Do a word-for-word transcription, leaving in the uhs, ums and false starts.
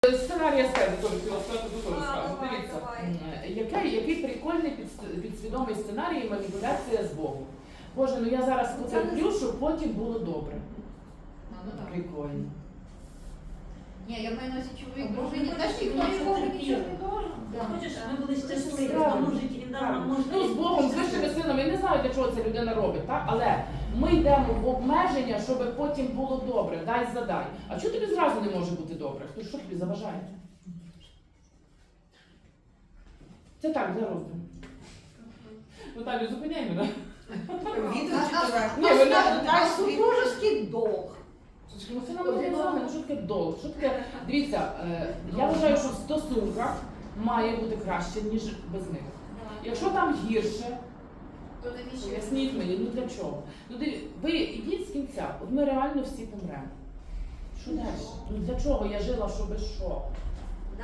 Сценарій аскези теж хотіла сказати, то теж скажу. Дивіться, який, який прикольний під- підсвідомий сценарій маніпуляція з Богом. Боже, ну я зараз потерплю, щоб потім було добре. Прикольно. Ні, я маю на увазі чоловік, дружині, теж ніхто нікому нічого не должен. Хочеш, ми були щасливі, тому житті він дав нам можливість. Ну, з Богом, з вищими силами, я не знаю, для чого це людина робить, так? Але ми йдемо в обмеження, щоб потім було добре, дай задай. А чого тобі зразу не може бути добре? Хто що тобі заважає? Це так, для роздуму. Наталю, зупиняй мене. Ні, вона... А супружеский долг. Ну, це нам не екзамен, що таке долг? Що таке? Дивіться, е, я вважаю, що в стосунках має бути краще, ніж без них. Якщо там гірше, То навіщо? поясніть мені, ну для чого? Ну, диві- ви йдіть з кінця, от ми реально всі помремо. Що далі? Ну для чого я жила, щоб що?